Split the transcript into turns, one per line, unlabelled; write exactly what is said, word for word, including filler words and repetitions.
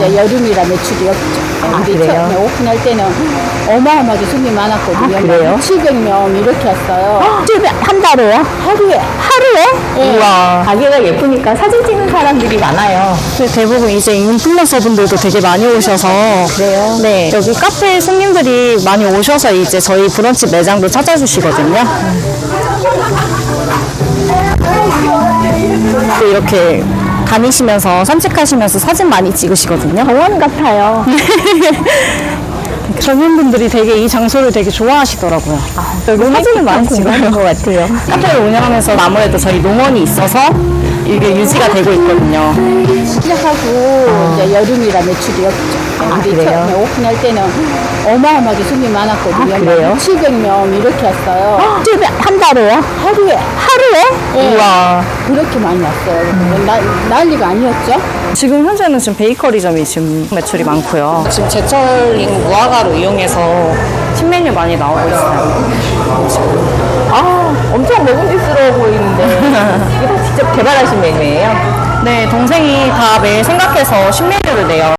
여름이라 매출이 없죠.
아,
우리
그래요?
처음에 오픈할 때는 어마어마하게 손님이 많았거든요.
아, 그래요?
칠백 명 이렇게 왔어요.
한 달에요?
하루에.
하루에?
네.
우와. 가게가 예쁘니까 사진 찍는 사람들이 많아요. 대부분 이제 인플루언서 분들도 되게 많이 오셔서. 그래요? 네. 여기 카페 손님들이 많이 오셔서 이제 저희 브런치 매장도 찾아주시거든요. 또 이렇게 다니시면서 산책하시면서 사진 많이 찍으시거든요. 정원 같아요. 젊은 분들이 되게 이 장소를 되게 좋아하시더라고요. 여기 사진을 많이 찍는 것 같아요. 카페를 운영하면서 아무래도 저희 농원이 있어서 이게 유지가 되고 있거든요.
시작하고 이제 여름이라 매출이 없죠.
아,
우리
그래요?
처음에 오픈할 때는 어마어마하게 손님이 많았거든요.
아, 그래요?
칠백 명 이렇게 왔어요.
한 달에요?
하루에.
하루에?
네.
우와.
그렇게 많이 왔어요. 나, 난리가 아니었죠.
지금 현재는 지금 베이커리점이 지금 매출이 많고요. 지금 제철링 무화과로 이용해서 신메뉴 많이 나오고 있어요. 아, 엄청 먹음직스러워 보이는데 이게 다 직접 개발하신 메뉴예요? 네, 동생이 다 매일 생각해서 신메뉴를 내요.